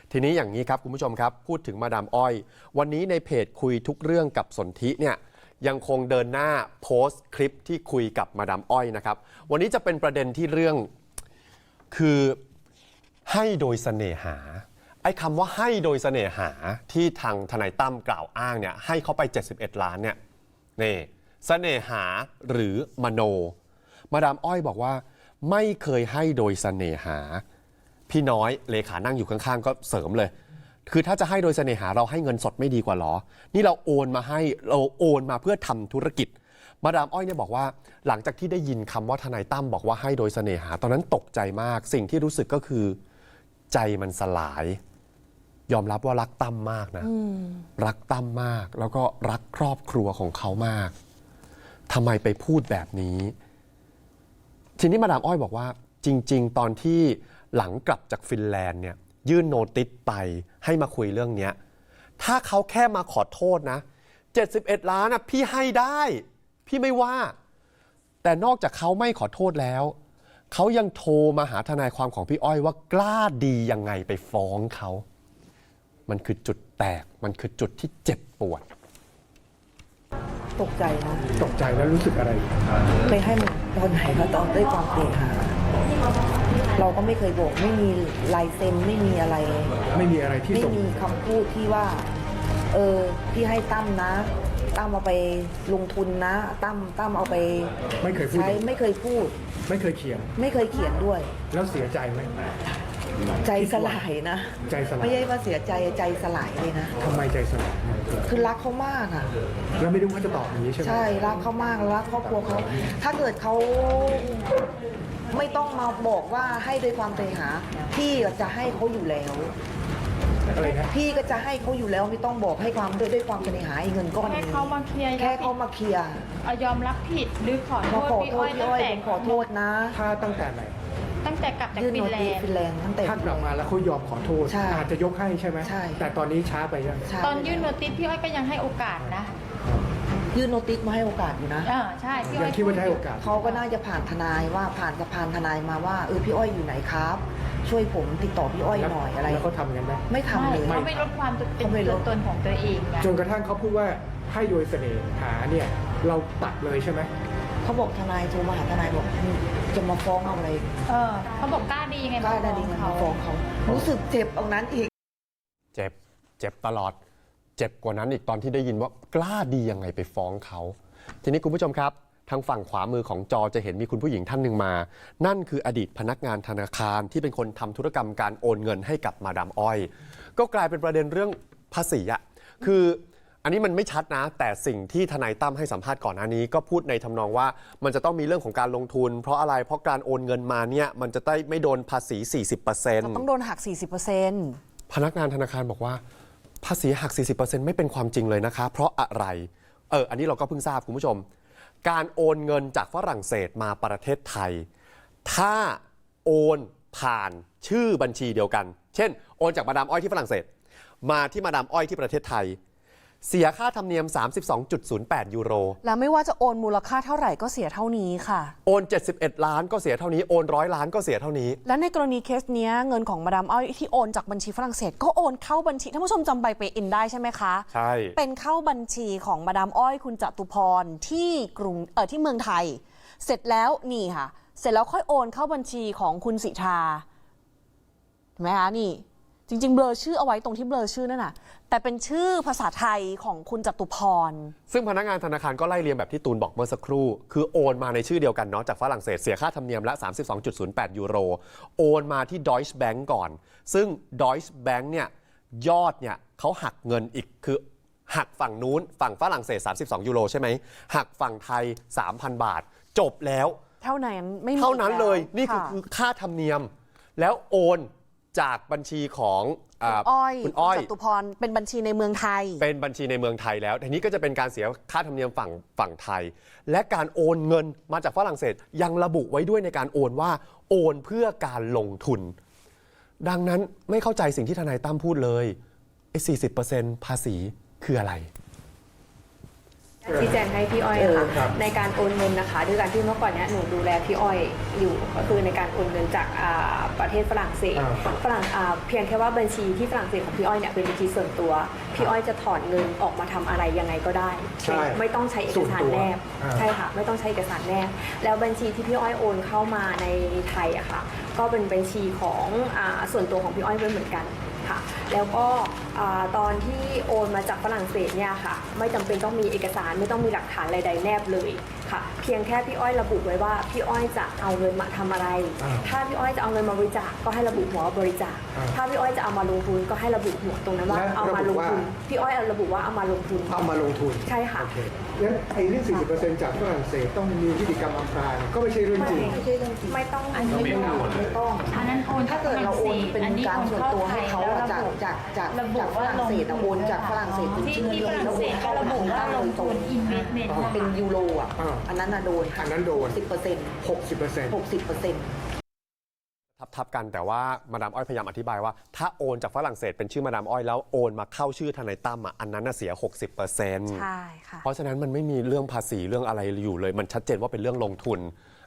ทีนี้อย่างนี้ครับคุณผู้ชมครับพูดถึงมาดามอ้อยวันนี้ในเพจคุยทุกเรื่องกับสนธิเนี่ยยังคงเดินหน้าโพสต์คลิปที่คุยกับมาดามอ้อยนะครับวันนี้จะเป็นประเด็นที่เรื่องคือให้โดยเสน่หาไอ้คำว่าให้โดยเสน่หาที่ทางทนายตั้มกล่าวอ้างเนี่ยให้เขาไป71 ล้านเนี่ยนี่เสน่หาหรือมโนมาดามอ้อยบอกว่าไม่เคยให้โดยเสน่หาพี่น้อยเลขานั่งอยู่ข้างๆก็เสริมเลยคือถ้าจะให้โดยเสน่หาเราให้เงินสดไม่ดีกว่าหรอนี่เราโอนมาให้เราโอนมาเพื่อทำธุรกิจมาดามอ้อยเนี่ยบอกว่าหลังจากที่ได้ยินคำว่าทนายตั้มบอกว่าให้โดยเสน่หาตอนนั้นตกใจมากสิ่งที่รู้สึกก็คือใจมันสลายยอมรับว่ารักตั้มมากนะรักตั้มมากแล้วก็รักครอบครัวของเขามากทำไมไปพูดแบบนี้ทีนี้มาดามอ้อยบอกว่าจริงๆตอนที่หลังกลับจากฟินแลนด์เนี่ยยื่นโนติสไปให้มาคุยเรื่องนี้ถ้าเขาแค่มาขอโทษนะ71 ล้านนะพี่ให้ได้พี่ไม่ว่าแต่นอกจากเขาไม่ขอโทษแล้วเขายังโทรมาหาทนายความของพี่อ้อยว่ากล้าดียังไงไปฟ้องเขามันคือจุดแตกมันคือจุดที่เจ็บปวดตกใจนะตกใจแล้วรู้สึกอะไรไปให้มันตอนไหนก็ตอนด้วยความเกรงเราก็ไม่เคยบอกไม่มีลายเซ็นไม่มีอะไรไม่มีอะไรที่ไม่มีคำพูดที่ว่าพี่ให้ตั้มนะตั้มเอาไปลงทุนนะตั้มเอาไปไม่เคยพูดใช้ไม่เคยพูดไม่เคยเขียนไม่เคยเขียนด้วยแล้วเสียใจไหมใจสลายนะใจสลายไม่ใช่ว่าเสียใจใจสลายเลยนะทำไมใจสลายคือรักเขามากอ่ะแล้วไม่รู้ว่าจะตอบอย่างนี้ใช่ไหมใช่รักเขามากรักครอบครัวเขาถ้าเกิดเขาไม่ต้องมาบอกว่าให้ด้วยความเสน่หาพี่จะให้เขาอยู่แล้วพี่ก็จะให้เขาอยู่แล้วไม่ต้องบอกให้ความด้วยความเสน่หาเงินก้อนนี้แค่เขามาเคลียร์ยอมรับผิดหรือขอโทษพี่อ้อยขอโทษนะถ้าตั้งแต่ไหนตั้งแต่กลับจากฟินแลนด์ตั้งแต่ถ้ากลับมาแล้วเขายอมขอโทษอาจจะยกให้ใช่ไหมใช่แต่ตอนนี้ช้าไปยังตอนยื่นโนติสพี่อ้อยก็ยังให้โอกาสนะยื่นโนติสมาให้โอกาสอยู่นะใช่พี่อ้อยคิดว่าให้โอกาสเขาก็น่าจะผ่านทนายว่าผ่านสะพานทนายมาว่าพี่อ้อยอยู่ไหนครับช่วยผมติดต่อพี่อ้อยหน่อยอะไรแล้วเขาทำกันไหมไม่ทำเลยเขาไม่ลดความเป็นตัวตนของตัวเองจนกระทั่งเขาพูดว่าให้โดยเสน่หาเนี่ยเราตัดเลยใช่ไหมเขาบอกทนายโทรมาหาทนายบอกจะมาฟ้องเอาอะไรเขาบอกกล้าดีไงกล้าดีไงมาฟ้องเขารู้สึกเจ็บตรงนั้นอีกเจ็บตลอดเจ็บกว่านั้นอีกตอนที่ได้ยินว่ากล้าดียังไงไปฟ้องเขาทีนี้คุณผู้ชมครับทางฝั่งขวามือของจอจะเห็นมีคุณผู้หญิงท่านหนึ่งมานั่นคืออดีตพนักงานธนาคารที่เป็นคนทำธุรกรรมการโอนเงินให้กับมาดามอ้อยก็กลายเป็นประเด็นเรื่องภาษีอะคืออันนี้มันไม่ชัดนะแต่สิ่งที่ทนายตั้มให้สัมภาษณ์ก่อนหน้านี้ก็พูดในทำนองว่ามันจะต้องมีเรื่องของการลงทุนเพราะอะไรเพราะการโอนเงินมาเนี่ยมันจะได้ไม่โดนภาษี 40% ต้องโดนหัก 40% พนักงานธนาคารบอกว่าภาษีหัก 40% ไม่เป็นความจริงเลยนะคะเพราะอะไรอันนี้เราก็เพิ่งทราบคุณผู้ชมการโอนเงินจากฝรั่งเศสมาประเทศไทยถ้าโอนผ่านชื่อบัญชีเดียวกันเช่นโอนจากมาดามอ้อยที่ฝรั่งเศสมาที่มาดามอ้อยที่ประเทศไทยเสียค่าธรรมเนียม 32.08 ยูโรแล้วไม่ว่าจะโอนมูลค่าเท่าไหร่ก็เสียเท่านี้ค่ะโอน71 ล้านก็เสียเท่านี้โอน100 ล้านก็เสียเท่านี้และในกรณีเคสนี้เงินของมาดามอ้อยที่โอนจากบัญชีฝรั่งเศสก็โอนเข้าบัญชีท่านผู้ชมจำใบเปอินได้ใช่ไหมคะใช่เป็นเข้าบัญชีของมาดามอ้อยคุณจตุพรที่ที่เมืองไทยเสร็จแล้วนี่ค่ะเสร็จแล้วค่อยโอนเข้าบัญชีของคุณสิทาเห็นไหมคะนี่จริงๆเบลอชื่อเอาไว้ตรงที่เบลอชื่อนั่นน่ะแต่เป็นชื่อภาษาไทยของคุณจตุพรซึ่งพนักงานธนาคารก็ไล่เรียงแบบที่ตูนบอกเมื่อสักครู่คือโอนมาในชื่อเดียวกันเนาะจากฝรั่งเศสเสียค่าธรรมเนียมละ 32.08 ยูโรโอนมาที่ Deutsche Bank ก่อนซึ่ง Deutsche Bank เนี่ยยอดเนี่ยเขาหักเงินอีกคือหักฝั่งนู้นฝั่งฝรั่งเศส32ยูโรใช่ไหมหักฝั่งไทย 3,000 บาทจบแล้วเท่านั้นไม่มีเท่านั้นเลยนี่คือค่าธรรมเนียมแล้วโอนจากบัญชีของคุณอ้อยจตุพรเป็นบัญชีในเมืองไทยเป็นบัญชีในเมืองไทยแล้วทีนี้ก็จะเป็นการเสียค่าธรรมเนียมฝั่งไทยและการโอนเงินมาจากฝรั่งเศสยังระบุไว้ด้วยในการโอนว่าโอนเพื่อการลงทุนดังนั้นไม่เข้าใจสิ่งที่ทนายตั้มพูดเลยไอ้ 40% ภาษีคืออะไรชี้แจงให้พี่อ้อยค่ะครับในการโอนเงินนะคะด้วยการที่เมื่อก่อนเนี้ยหนูดูแลพี่อ้อยอยู่ก็คือในการโอนเงินจากประเทศฝรั่งเศสเพียงแค่ว่าบัญชีที่ฝรั่งเศสของพี่อ้อยเนี่ยเป็นบัญชีส่วนตัวพี่อ้อยจะถอนเงินออกมาทำอะไรยังไงก็ได้ใช่ไม่ต้องใช้เอกสารแนบส่วนตัวใช่ค่ะไม่ต้องใช้เอกสารแนบแล้วบัญชีที่พี่อ้อยโอนเข้ามาในไทยอะค่ะก็เป็นบัญชีของส่วนตัวของพี่อ้อยด้วยเหมือนกันค่ะแล้วก็ตอนที่โอนมาจากฝรั่งเศสเนี่ยค่ะไม่จำเป็นต้องมีเอกสารไม่ต้องมีหลักฐานใดๆแนบเลยค่ะเพียงแค่พี่อ้อยระบุไว้ว่าพี่อ้อยจะเอาเงินมาทำอะไร ถ้าพี่อ้อยจะเอาเงินมาบริจาคก็ให้ระบุหัวว่าบริจาคถ้าพี่อ้อยจะเอามาลงทุนก็ให้ระบุหัวตรงนั้นว่าเอามาลงทุนพี่อ้อยระบุว่าเอามาลงทุนเอามาลงทุนใช่ค่ะโอเคงั้นไอ้เรื่อง 40%จากฝรั่งเศสต้องมีพิธีกรรมอำพรางก็ไม่ใช่เรื่องจริงไม่ใช่เรื่องจริงไม่ต้องอันนี้ไม่ต้องอันนั้นโอนถ้าเกิดเราโอนเป็นอันนี้การส่วนตัวให้เขาอะจากระบุฝรั่งเศสอะโอนจากฝรั่งเศสเป็นที่ชื่อที่ฝรั่งเศสก็ระบุว่าลงทุน investment นะคะเป็นยูโรอ่ะ อันนั้นน่ะโดนอันนั้นโดน 10% 60% 60% ทับกันแต่ว่ามาดามอ้อยพยายามอธิบายว่าถ้าโอนจากฝรั่งเศสเป็นชื่อมาดามอ้อยแล้วโอนมาเข้าชื่อทนายตั้มอ่ะอันนั้นน่ะเสีย 60% ใช่ค่ะเพราะฉะนั้นมันไม่มีเรื่องภาษีเรื่องอะไรอยู่เลย มันชัดเจนว่าเป็นเรื่องลงทุน